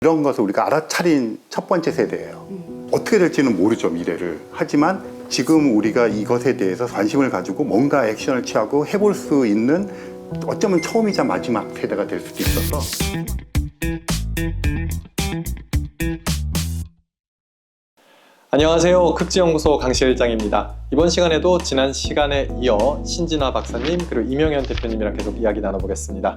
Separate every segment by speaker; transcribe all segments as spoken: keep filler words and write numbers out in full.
Speaker 1: 이런 것을 우리가 알아차린 첫 번째 세대예요. 음. 어떻게 될지는 모르죠, 미래를. 하지만 지금 우리가 이것에 대해서 관심을 가지고 뭔가 액션을 취하고 해볼 수 있는 어쩌면 처음이자 마지막 세대가 될 수도 있어서.
Speaker 2: 안녕하세요. 극지연구소 강실장입니다. 이번 시간에도 지난 시간에 이어 신진화 박사님 그리고 이명현 대표님이랑 계속 이야기 나눠보겠습니다.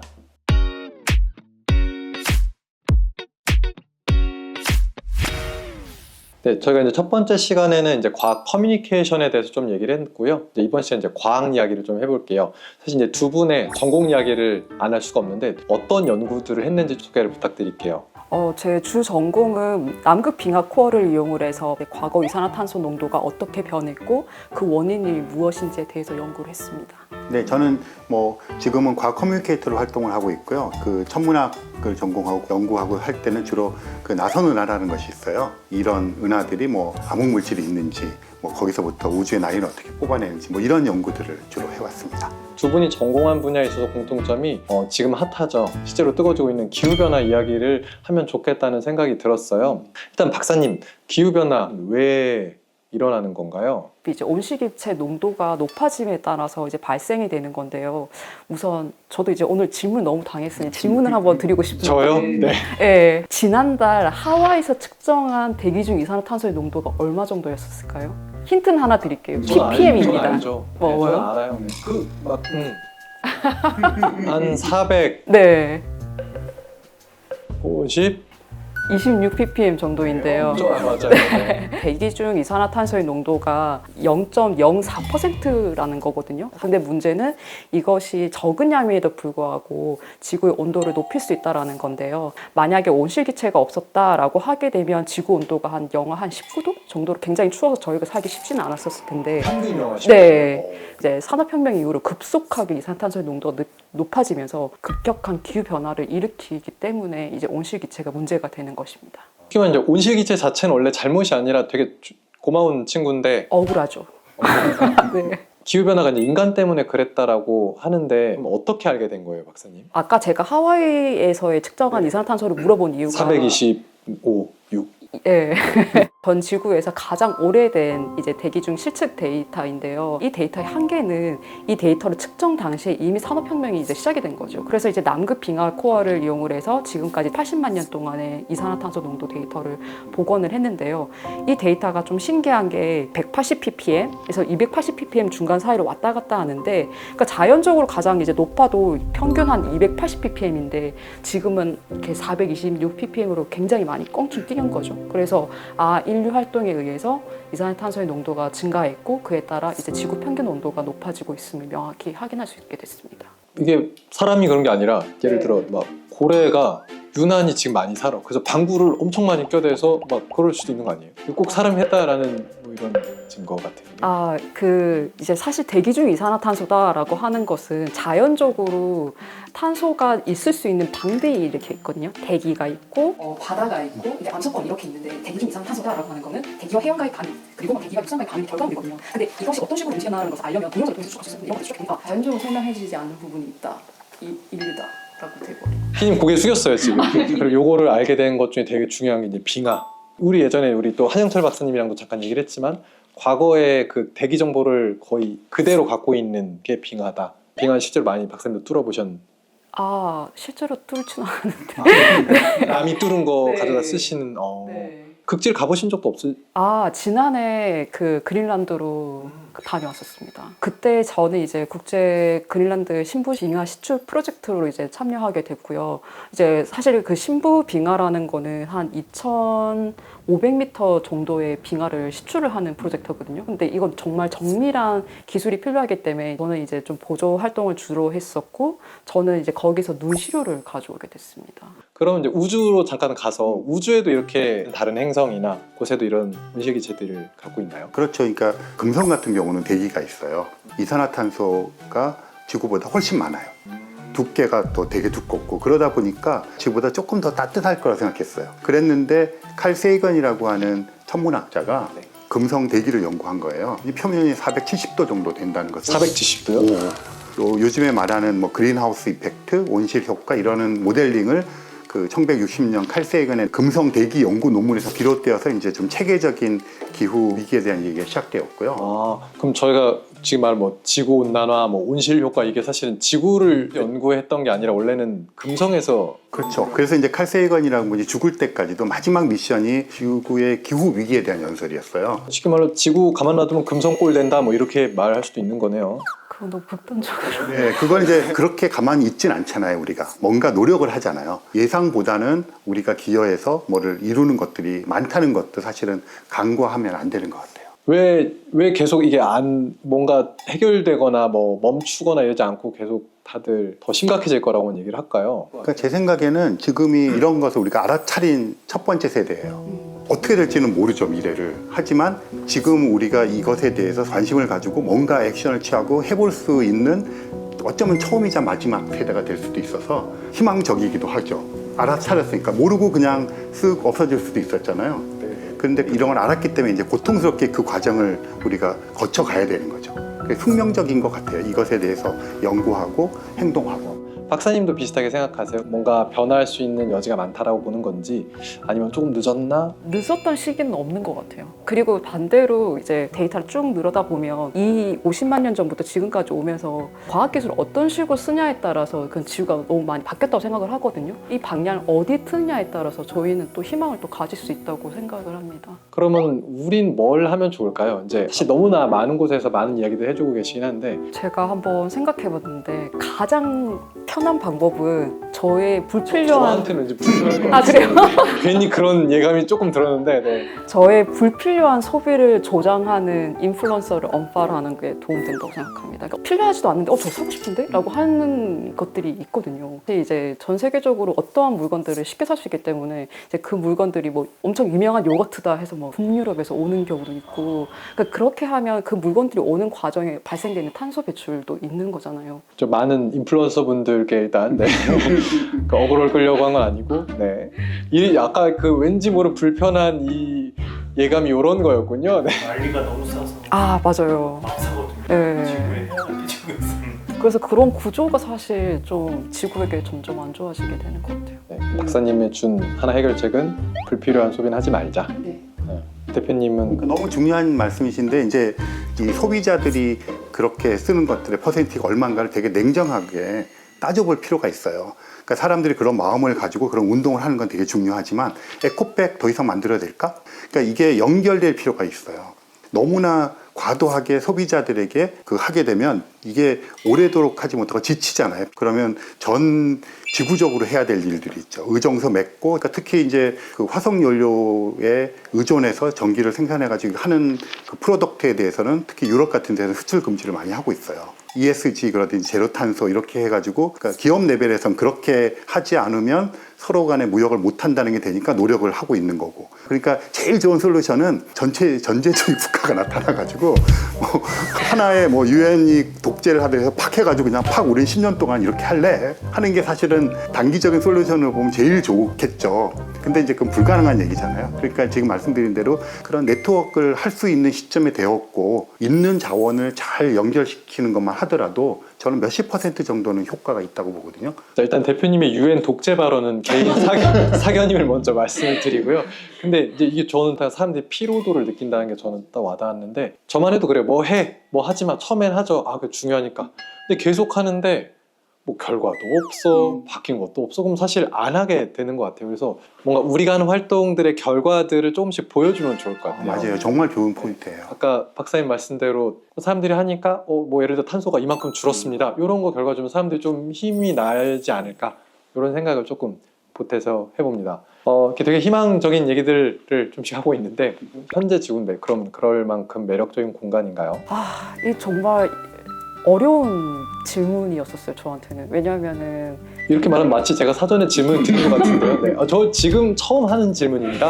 Speaker 2: 네, 저희가 이제 첫 번째 시간에는 이제 과학 커뮤니케이션에 대해서 좀 얘기를 했고요. 이제 이번 시간 이제 과학 이야기를 좀 해볼게요. 사실 이제 두 분의 전공 이야기를 안 할 수가 없는데 어떤 연구들을 했는지 소개를 부탁드릴게요.
Speaker 3: 어, 제 주 전공은 남극 빙하 코어를 이용을 해서 과거 이산화탄소 농도가 어떻게 변했고 그 원인이 무엇인지에 대해서 연구를 했습니다.
Speaker 1: 네, 저는 뭐 지금은 과학 커뮤니케이터로 활동을 하고 있고요. 그 천문학을 전공하고 연구하고 할 때는 주로 그 나선 은하라는 것이 있어요. 이런 은하들이 뭐 암흑 물질이 있는지, 뭐 거기서부터 우주의 나이를 어떻게 뽑아내는지 뭐 이런 연구들을 주로 해왔습니다.
Speaker 2: 두 분이 전공한 분야에 있어서 공통점이 어, 지금 핫하죠. 실제로 뜨거워지고 있는 기후변화 이야기를 하면 좋겠다는 생각이 들었어요. 일단 박사님, 기후변화 왜 일어나는 건가요?
Speaker 3: 이제 온실기체 농도가 높아짐에 따라서 이제 발생이 되는 건데요. 우선 저도 이제 오늘 질문 너무 당했으니 질문을 한번 드리고 싶은데.
Speaker 2: 저요? 네.
Speaker 3: 네. 지난달 하와이에서 측정한 대기 중 이산화탄소의 농도가 얼마 정도였을까요? 힌트는 하나 드릴게요. 피피엠입니다.
Speaker 2: 저는 알죠.
Speaker 3: 뭐,
Speaker 2: 네,
Speaker 3: 뭐요?
Speaker 2: 저는 알아요. 그, 막, 음. 한 사백오십?
Speaker 3: 네. 이십육 피피엠 정도인데요.
Speaker 2: 좀 맞아요. 네.
Speaker 3: 대기 중 이산화탄소의 농도가 영 점 영사 퍼센트라는 거거든요. 근데 문제는 이것이 적은 양임에도 불구하고 지구의 온도를 높일 수 있다는 건데요. 만약에 온실기체가 없었다라고 하게 되면 지구 온도가 한 영하 한 십구 도 정도로 굉장히 추워서 저희가 살기 쉽지는 않았었을 텐데.
Speaker 2: 평균 영하
Speaker 3: 네. 이제 산업혁명 이후로 급속하게 이산화탄소의 농도가 높아지면서 급격한 기후변화를 일으키기 때문에 이제 온실기체가 문제가 되는 것입니다.
Speaker 2: 특히나 이제 온실기체 자체는 원래 잘못이 아니라 되게 주- 고마운 친구인데
Speaker 3: 억울하죠. 네.
Speaker 2: 기후변화가 이제 인간 때문에 그랬다라고 하는데 그럼 어떻게 알게 된 거예요, 박사님?
Speaker 3: 아까 제가 하와이에서의 측정한 이산화탄소를 물어본 이유가
Speaker 2: 사백이십오, 육.
Speaker 3: 예. 전 지구에서 가장 오래된 이제 대기 중 실측 데이터인데요. 이 데이터의 한계는 이 데이터를 측정 당시에 이미 산업혁명이 이제 시작이 된 거죠. 그래서 이제 남극 빙하 코어를 이용을 해서 지금까지 팔십만 년 동안의 이산화탄소 농도 데이터를 복원을 했는데요. 이 데이터가 좀 신기한 게 백팔십 피피엠에서 이백팔십 피피엠 중간 사이로 왔다 갔다 하는데, 그러니까 자연적으로 가장 이제 높아도 평균 한 이백팔십 피피엠인데 지금은 이렇게 사백이십육 피피엠으로 굉장히 많이 껑충 뛰는 거죠. 그래서 아 인류 활동에 의해서 이산화탄소의 농도가 증가했고 그에 따라 이제 지구 평균 온도가 높아지고 있음을 명확히 확인할 수 있게 됐습니다.
Speaker 2: 이게 사람이 그런 게 아니라 예를 들어 막 고래가 유난히 지금 많이 살아. 그래서 방구를 엄청 많이 껴대서 막 그럴 수도 있는 거 아니에요? 꼭 사람이 했다라는 뭐 이런 증거 같은 게.
Speaker 3: 아, 그 이제 사실 대기 중 이산화탄소다라고 하는 것은 자연적으로 탄소가 있을 수 있는 방들이 이렇게 있거든요. 대기가 있고
Speaker 4: 어, 바다가 있고 이제 암석권 이렇게 있는데 대기 중 이산화탄소다라고 하는 거는 대기와 해양과의 반응 그리고 대기가 육상과의 반응이 결과물이거든요. 근데 이것이 어떤 식으로 움직여나가는 것을 알려면 동영상을 통해서 추적했었는데 이런 것을 추적해보니까
Speaker 3: 자연적으로 설명해지지 않는 부분이 있다. 이 인류다라고 돼버려요.
Speaker 2: 피디님 고개 숙였어요 지금. 그리고 요거를 알게 된 것 중에 되게 중요한 게 이제 빙하. 우리 예전에 우리 또 한영철 박사님이랑도 잠깐 얘기를 했지만 과거의 그 대기 정보를 거의 그대로 갖고 있는 게 빙하다. 빙하 실제로 많이 박사님도 뚫어보셨는데
Speaker 3: 아, 실제로 뚫지는 않았는데.
Speaker 2: 남이 뚫은 거
Speaker 3: 네.
Speaker 2: 가져다 쓰시는 어.
Speaker 3: 네.
Speaker 2: 극지를 가보신 적도 없으?
Speaker 3: 아, 지난해 그 그린란드로 그 다녀왔었습니다. 그때 저는 이제 국제 그린란드 신부 빙하 시추 프로젝트로 이제 참여하게 됐고요. 이제 사실 그 신부 빙하라는 거는 한 이천오백 미터 정도의 빙하를 시추를 하는 프로젝트거든요. 근데 이건 정말 정밀한 기술이 필요하기 때문에 저는 이제 좀 보조 활동을 주로 했었고, 저는 이제 거기서 눈 시료를 가져오게 됐습니다.
Speaker 2: 그럼 이제 우주로 잠깐 가서 우주에도 이렇게 다른 행성이나 곳에도 이런 온실기체들을 갖고 있나요?
Speaker 1: 그렇죠. 그러니까 금성 같은 경우는 대기가 있어요. 이산화탄소가 지구보다 훨씬 많아요. 두께가 또 되게 두껍고 그러다 보니까 지구보다 조금 더 따뜻할 거라 생각했어요. 그랬는데 칼 세이건이라고 하는 천문학자가
Speaker 2: 네.
Speaker 1: 금성 대기를 연구한 거예요. 이 표면이 사백칠십 도 정도 된다는 것을.
Speaker 2: 사백칠십 도요?
Speaker 1: 또 요즘에 말하는 뭐 그린하우스 이펙트, 온실 효과 이러는 모델링을 그 천구백육십 년 칼 세이건의 금성 대기 연구 논문에서 비롯되어서 이제 좀 체계적인 기후 위기에 대한 얘기가 시작되었고요.
Speaker 2: 아, 그럼 저희가 지금 말한 뭐 지구 온난화, 뭐 온실 효과 이게 사실은 지구를 연구했던 게 아니라 원래는 금성에서
Speaker 1: 그렇죠. 그래서 이제 칼 세이건이라는 분이 죽을 때까지도 마지막 미션이 지구의 기후 위기에 대한 연설이었어요.
Speaker 2: 쉽게 말로 지구 가만 놔두면 금성골 된다 뭐 이렇게 말할 수도 있는 거네요.
Speaker 3: 그건 너무 극단적으로.
Speaker 1: 네, 그건 이제 그렇게 가만히 있진 않잖아요. 우리가 뭔가 노력을 하잖아요. 예상보다는 우리가 기여해서 뭐를 이루는 것들이 많다는 것도 사실은 간과하면 안 되는 것 같아요.
Speaker 2: 왜, 왜 계속 이게 안, 뭔가 해결되거나 뭐 멈추거나 이러지 않고 계속 다들 더 심각해질 거라고는 얘기를 할까요?
Speaker 1: 그러니까 제 생각에는 지금이 이런 것을 우리가 알아차린 첫 번째 세대예요. 어떻게 될지는 모르죠, 미래를. 하지만 지금 우리가 이것에 대해서 관심을 가지고 뭔가 액션을 취하고 해볼 수 있는 어쩌면 처음이자 마지막 세대가 될 수도 있어서 희망적이기도 하죠. 알아차렸으니까. 모르고 그냥 쓱 없어질 수도 있었잖아요. 그런데 이런 걸 알았기 때문에 이제 고통스럽게 그 과정을 우리가 거쳐가야 되는 거죠. 그게 숙명적인 것 같아요. 이것에 대해서 연구하고 행동하고.
Speaker 2: 박사님도 비슷하게 생각하세요? 뭔가 변화할 수 있는 여지가 많다라고 보는 건지 아니면 조금 늦었나?
Speaker 3: 늦었던 시기는 없는 것 같아요. 그리고 반대로 이제 데이터를 쭉 늘어다 보면 이 오십만 년 전부터 지금까지 오면서 과학기술을 어떤 식으로 쓰냐에 따라서 그 지구가 너무 많이 바뀌었다고 생각을 하거든요. 이 방향을 어디 트느냐에 따라서 저희는 또 희망을 또 가질 수 있다고 생각을 합니다.
Speaker 2: 그러면 우린 뭘 하면 좋을까요? 이제 사실 너무나 많은 곳에서 많은 이야기들 해주고 계시긴 한데
Speaker 3: 제가 한번 생각해봤는데 가장 편한 방법은 저의 불필요한
Speaker 2: 저한테는 이제 불편한
Speaker 3: 아 그래요?
Speaker 2: 괜히 그런 예감이 조금 들었는데 네.
Speaker 3: 저의 불필요한 소비를 조장하는 인플루언서를 언팔하는 게 도움된다고 생각합니다. 그러니까 필요하지도 않은데 어, 저 사고 싶은데? 라고 하는 것들이 있거든요. 근데 이제 전 세계적으로 어떠한 물건들을 쉽게 살 수 있기 때문에 이제 그 물건들이 뭐 엄청 유명한 요거트다 해서 뭐 북유럽에서 오는 경우도 있고 그러니까 그렇게 하면 그 물건들이 오는 과정에 발생되는 탄소 배출도 있는 거잖아요.
Speaker 2: 좀 많은 인플루언서 분들께 일단 네. 그 어그로를 끌려고 한 건 아니고 네. 이 아까 그 왠지 모를 불편한 이 예감이 이런 거였군요. 네.
Speaker 5: 난리가 너무 싸서
Speaker 3: 아 맞아요.
Speaker 5: 막 사거든요.
Speaker 3: 네.
Speaker 5: 지구에 해야 되는데 지구에서는
Speaker 3: 그래서 그런 구조가 사실 좀 지구에게 점점 안 좋아지게 되는 것 같아요.
Speaker 2: 네. 박사님의 준 하나 해결책은 불필요한 소비는 하지 말자.
Speaker 3: 네.
Speaker 2: 네. 대표님은
Speaker 1: 그러니까 너무 중요한 말씀이신데 이제 이 소비자들이 그렇게 쓰는 것들의 퍼센티가 얼마인가를 되게 냉정하게 따져볼 필요가 있어요. 그러니까 사람들이 그런 마음을 가지고 그런 운동을 하는 건 되게 중요하지만 에코백 더 이상 만들어야 될까? 그러니까 이게 연결될 필요가 있어요. 너무나 과도하게 소비자들에게 그 하게 되면 이게 오래도록 하지 못하고 지치잖아요. 그러면 전 지구적으로 해야 될 일들이 있죠. 의정서 맺고, 그러니까 특히 이제 그 화석 연료에 의존해서 전기를 생산해가지고 하는 그 프로덕트에 대해서는 특히 유럽 같은 데는 수출 금지를 많이 하고 있어요. 이에스지 그러든지 제로 탄소 이렇게 해가지고 그러니까 기업 레벨에선 그렇게 하지 않으면 서로 간에 무역을 못 한다는 게 되니까 노력을 하고 있는 거고. 그러니까 제일 좋은 솔루션은 전체 전제주의 국가가 나타나가지고 뭐 하나의 뭐 유엔이 독재를 하더라도 팍 해가지고 그냥 팍 우린 십 년 동안 이렇게 할래 하는 게 사실은 단기적인 솔루션을 보면 제일 좋겠죠. 근데 이제 그건 불가능한 얘기잖아요. 그러니까 지금 말씀드린 대로 그런 네트워크를 할 수 있는 시점에 되었고 있는 자원을 잘 연결시키는 것만 하더라도 저는 몇십 퍼센트 정도는 효과가 있다고 보거든요.
Speaker 2: 자, 일단 대표님의 유엔 독재 발언은 개인 사견, 사견임을 먼저 말씀을 드리고요. 근데 이제 이게 저는 다 사람들이 피로도를 느낀다는 게 저는 딱 와닿았는데 저만 해도 그래요. 뭐 해, 뭐 하지 마. 처음엔 하죠. 아, 그게 중요하니까. 근데 계속 하는데 뭐 결과도 없어, 바뀐 것도 없어. 그럼 사실 안 하게 되는 것 같아요. 그래서 뭔가 우리가 하는 활동들의 결과들을 조금씩 보여주면 좋을 것 같아요.
Speaker 1: 맞아요. 정말 좋은 포인트예요.
Speaker 2: 아까 박사님 말씀대로 사람들이 하니까 어, 뭐 예를 들어 탄소가 이만큼 줄었습니다. 이런 거 결과 주면 사람들이 좀 힘이 나지 않을까 이런 생각을 조금 보태서 해봅니다. 어, 이렇게 되게 희망적인 얘기들을 좀씩 하고 있는데 현재 지구인데 그럼 그럴 만큼 매력적인 공간인가요?
Speaker 3: 아, 이 정말 어려운 질문이었었어요, 저한테는. 왜냐면은
Speaker 2: 이렇게 말하면 마치 제가 사전에 질문을 드린 것 같은데요. 네. 아, 저 지금 처음 하는 질문입니다.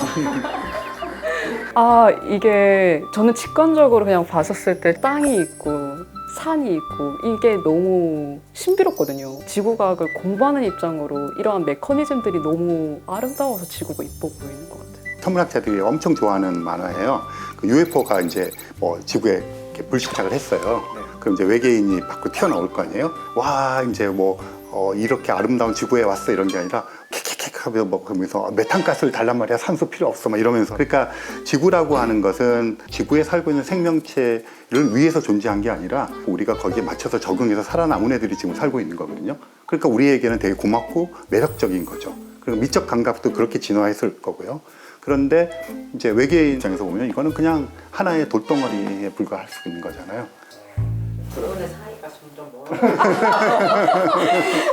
Speaker 3: 아, 이게 저는 직관적으로 그냥 봤었을 때 땅이 있고 산이 있고 이게 너무 신비롭거든요. 지구과학을 공부하는 입장으로 이러한 메커니즘들이 너무 아름다워서 지구가 이뻐 보이는 것 같아요.
Speaker 1: 천문학자들이 엄청 좋아하는 만화예요. 그 유에프오가 이제 뭐 지구에 이렇게 불식착을 했어요. 그럼 이제 외계인이 밖으로 튀어나올 거 아니에요? 와, 이제 뭐 어, 이렇게 아름다운 지구에 왔어 이런 게 아니라 킥킥 하면서 뭐 그러면서 메탄가스를 달란 말이야, 산소 필요 없어 막 이러면서. 그러니까 지구라고 하는 것은 지구에 살고 있는 생명체를 위해서 존재한 게 아니라 우리가 거기에 맞춰서 적응해서 살아남은 애들이 지금 살고 있는 거거든요. 그러니까 우리에게는 되게 고맙고 매력적인 거죠. 그리고 미적 감각도 그렇게 진화했을 거고요. 그런데 이제 외계인 입장에서 보면 이거는 그냥 하나의 돌덩어리에 불과할 수 있는 거잖아요.
Speaker 6: 그분의 사이가 점점 멀어.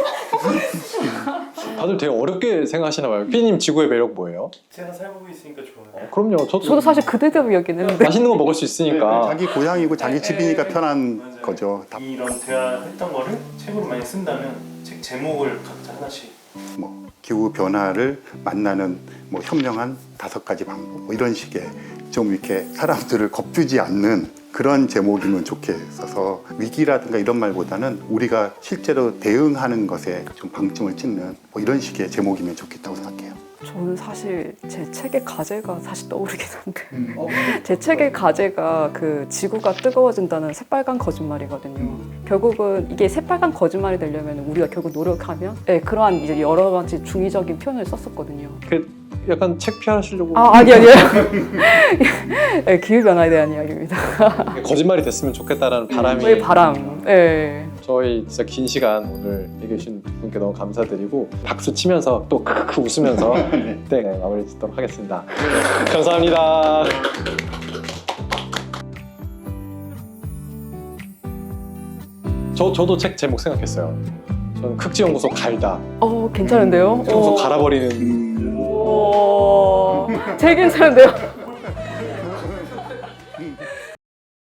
Speaker 2: 다들 되게 어렵게 생각하시나 봐요. 피디님 지구의 매력 뭐예요?
Speaker 5: 제가 살고 있으니까 좋아요.
Speaker 2: 어, 그럼요. 저도,
Speaker 3: 저도 사실 그대로 여기는데
Speaker 2: 맛있는 거 먹을 수 있으니까.
Speaker 1: 자기 고향이고 자기 집이니까 편한
Speaker 5: 맞아요.
Speaker 1: 거죠. 다
Speaker 5: 이런 대화했던 거를 책으로 많이 쓴다면 책 제목을 각자 하나씩
Speaker 1: 뭐 기후 변화를 만나는 뭐 현명한 다섯 가지 방법 뭐 이런 식의 좀 이렇게 사람들을 겁주지 않는 그런 제목이면 좋겠어서 위기라든가 이런 말보다는 우리가 실제로 대응하는 것에 좀 방점을 찍는 뭐 이런 식의 제목이면 좋겠다고 생각해요.
Speaker 3: 저는 사실 제 책의 가제가 사실 떠오르긴 한데 제 책의 가제가 그 지구가 뜨거워진다는 새빨간 거짓말이거든요. 결국은 이게 새빨간 거짓말이 되려면 우리가 결국 노력하면 네, 그러한 이제 여러 가지 중의적인 표현을 썼었거든요.
Speaker 2: 그 약간 책 피하시려고
Speaker 3: 아 아니 아니에요. 네, 기후 변화에 대한 이야기입니다.
Speaker 2: 거짓말이 됐으면 좋겠다라는 바람이
Speaker 3: 저희 바람. 네.
Speaker 2: 저희 진짜 긴 시간 오늘 얘기해 주신 분께 너무 감사드리고 박수 치면서 또 크크 웃으면서 네, 마무리 짓도록 하겠습니다. 감사합니다. 저, 저도 책 제목 생각했어요. 저는 극지연구소 갈다.
Speaker 3: 어 괜찮은데요?
Speaker 2: 연구소
Speaker 3: 어.
Speaker 2: 갈아버리는
Speaker 3: 오, 제일 괜찮은데요?